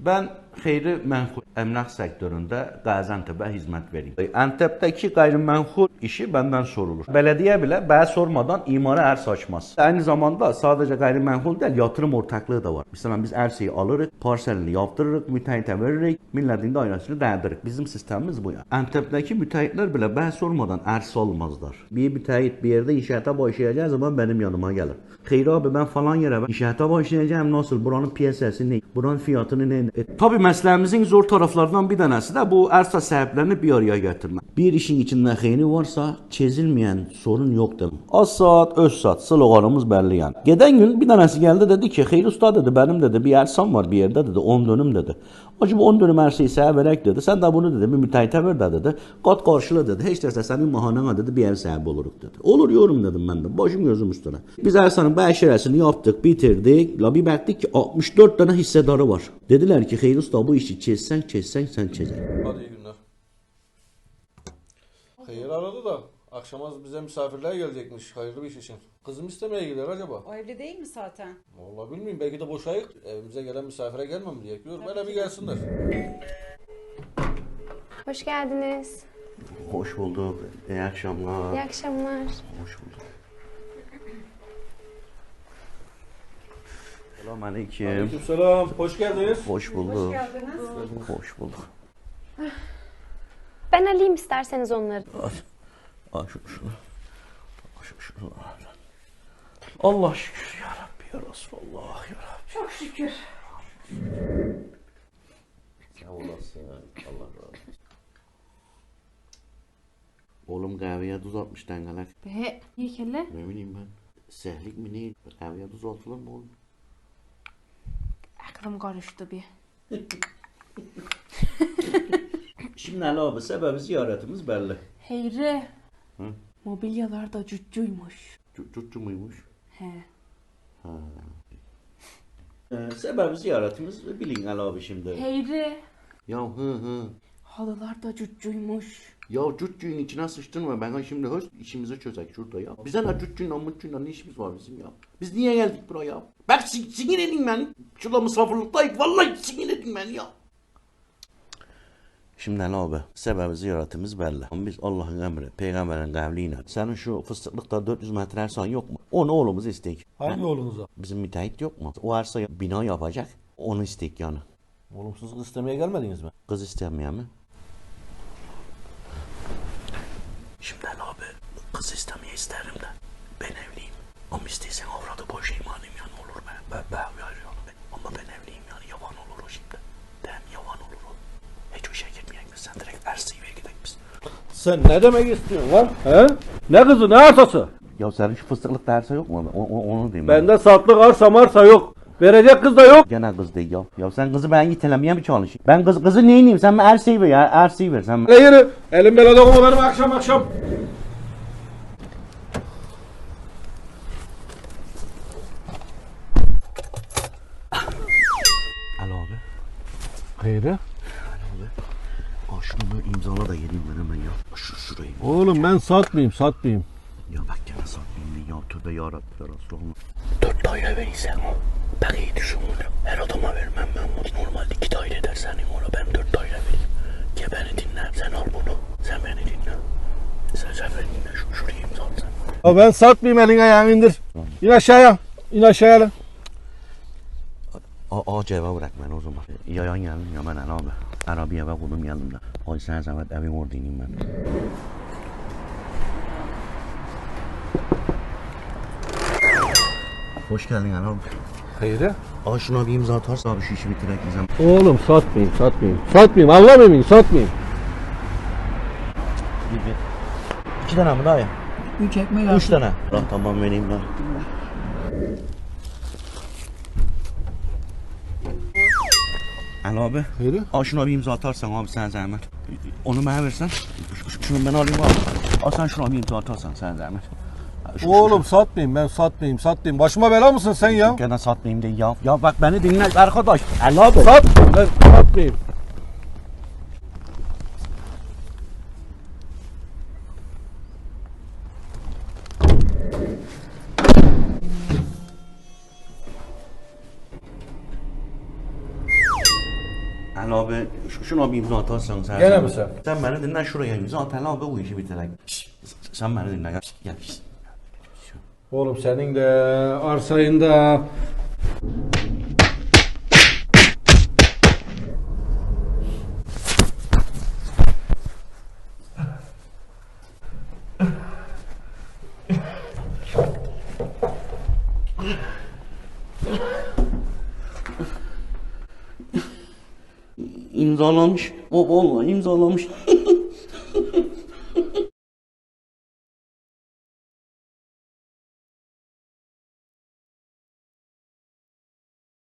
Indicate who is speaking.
Speaker 1: Ben qeyri-mənxul əmlak sektöründə Qaziantep'e hizmet vereyim. Antep'teki gayrimenkul işi benden sorulur. Belediye bile ben sormadan imara arsa açmaz. Aynı zamanda sadece gayrimenkul değil, yatırım ortaklığı da var. Mesela biz arsayı alırız, parselini yaptırırız, müteahhite veririz, milletin dairesini dağıtırız. Bizim sistemimiz bu ya. Antep'teki müteahhitler bile ben sormadan arsa almazlar. Bir müteahhit bir yerde inşaata başlayacağı zaman benim yanıma gelir. Xeyri abi ben falan yere inşaata başlayacağım, nasıl, buranın piyasası ne, buranın fiyatını ne? Tabii mesleğimizin zor taraflarından bir tanesi de bu arsa sahiplerini bir araya getirmek. Bir işin içinde xeyri varsa çözülmeyen sorun yoktur. Az saat, öz saat, sloganımız belli yani. Geçen gün bir tanesi geldi dedi ki, Xeyri usta dedi, benim dedi bir arsam var bir yerde dedi, 10 dönüm dedi. Acaba 10 dönüm arsayı sana verek dedi, sen de bunu dedi bir müteahhite ver dedi, kat karşıla dedi, hiç derse senin mahanana dedi bir ev sahibi oluruk dedi. Olur yorum dedim ben de, başım gözüm üstüne. Biz arsanın beşeresini yaptık, bitirdik, la bir baktık ki 64 tane hissedarı var. Dediler ki Xeyri usta bu işi çözsen sen çözeceksin.
Speaker 2: Hadi iyi günler. Hayır aradı da akşama bize misafirler gelecekmiş hayırlı bir iş için. Kızım istemeye gider acaba?
Speaker 3: O evli değil mi zaten?
Speaker 2: Vallahi bilmiyorum belki de boşayık. Evimize gelen misafire gelmem diye bekliyor. Böyle bir gelsinler.
Speaker 4: Hoş geldiniz.
Speaker 1: Hoş bulduk, iyi akşamlar.
Speaker 4: İyi akşamlar.
Speaker 1: Hoş bulduk. Selamünaleyküm.
Speaker 2: Aleykümselam. Hoş geldiniz.
Speaker 1: Hoş bulduk.
Speaker 3: Hoş geldiniz.
Speaker 1: Hoş bulduk.
Speaker 4: Ben alayım isterseniz onları.
Speaker 1: Al şunu. Şunu. Allah şükür ya Rabbi ya Resulallah ya Rabbi.
Speaker 3: Çok şükür.
Speaker 1: Sağ olasın. Allah razı olsun. Oğlum kahveye tuz atmış dengeler.
Speaker 5: Be, niye kelle?
Speaker 1: Ne bileyim ben. Sehlik mi değil? Kahveye tuz atılır mı oğlum?
Speaker 5: Aklım karıştı bir.
Speaker 1: Şimdi Ali abi sebebi ziyaretimiz belli.
Speaker 5: Heyri.
Speaker 1: Hı?
Speaker 5: Mobilyalar da cüccüymüş.
Speaker 1: Çutçu muymuş?
Speaker 5: He.
Speaker 1: Sebebi ziyaretimiz bilin Ali abi şimdi.
Speaker 5: Heyri.
Speaker 1: Ya hı.
Speaker 5: Halılar da cüccüymüş.
Speaker 1: Ya cüccüğün içine sıçtırma ben şimdi hoş işimizi çözek şurada ya. Bize ne cüccüğünle mutçuyla ne işimiz var bizim ya. Biz niye geldik buraya? Bak sinir edin beni. Şurada misafirliktayız vallahi sinir edin beni ya. Şimdi Ali abi sebebi ziyaretimiz belli. Biz Allah'ın emri, peygamberin kavliyle. Senin şu fıstıklıkta 400 metre arsan yok mu? Onu oğlumuz istek.
Speaker 2: Hangi oğlunuza?
Speaker 1: Bizim müteahhit yok mu? O arsaya bina yapacak. Onu istek yani.
Speaker 2: Oğlum siz kız istemeye gelmediniz mi?
Speaker 1: Kız istemeyen mi? Şimdi Ali abi kız istemeye isterim de ben evliyim. Ama isteysen avradı boş imanım yani olur be. Ben ama ben evliyim yani yavan olur o şimdi. Dem yavan olur o. Hiç o işe girmeyek biz sen direkt Ersi'ye gidelim biz.
Speaker 2: Sen ne demek istiyorsun lan? He? Ne kızı ne arsası?
Speaker 1: Ya senin şu fıstıklık dersi yok mu? Onu diyeyim.
Speaker 2: Bende satlık arsa marsa yok. Verecek kız da yok.
Speaker 1: Gene kız değil ya. Ya sen kızı ben itelemeye mi çalışayım? Ben kızı neyiniyim? Sen bana Ersi'yi ver ya. Ersi'yi ver sen.
Speaker 2: Ne yürü? Elim belada olma benim akşam.
Speaker 1: Alo abi.
Speaker 2: Hayır.
Speaker 1: Aa şunu böyle imzala da geleyim ben hemen ya. Şurayı.
Speaker 2: Oğlum ben satmayayım.
Speaker 1: Ya bak gene satmayayım ya. Tövbe yarabbim ya Resulallah. 4 daire verirsen o. Ben iyi düşün bunu. Her adama vermem ben bunu. Normalde 2 daire eder senin ona. Ben 4 daire vereyim. Gel beni dinle. Sen al bunu. Sen beni dinle. Sen beni dinle. Şurayı imzala sen.
Speaker 2: Ya ben satmayayım elini ayağını indir. İn aşağıya lan.
Speaker 1: Cevap bırak beni o zaman. Yayan geldim ya ben abi. Arabiye ve kulum geldim de. Ay sen zahmet evim orada ineyim ben. Hoş geldin abi.
Speaker 2: Hayır.
Speaker 1: Aa şuna bir imza atarsa abi şu işi bitirek diyeceğim.
Speaker 2: Oğlum satmayayım. Anlamayayım satmayayım.
Speaker 1: Bir. 2 tane mi daha ya?
Speaker 3: 3 ekmek
Speaker 1: 3 tane. Tamam vereyim ben. Alo abi.
Speaker 2: Hayır.
Speaker 1: Al şuna bir imza atarsan abi sen zahmet. Onu bana versen. Şunu ben alayım abi. Al sen şuna bir imza atarsan sen zahmet.
Speaker 2: Oğlum satmayayım. Başıma bela mısın sen ya?
Speaker 1: Gene satmayayım de ya. Ya bak beni dinle arkadaş. Alo abi.
Speaker 2: Ben satmayayım.
Speaker 1: Təli abi, şuna bir imza atarsan sen.
Speaker 2: Gene mi sen?
Speaker 1: Sen beni dinle şuraya imza at Təli abi bu işi bitirək. Sen beni dinle gel.
Speaker 2: Oğlum senin de arsayında
Speaker 1: İmzalamış. O vallahi imzalamış.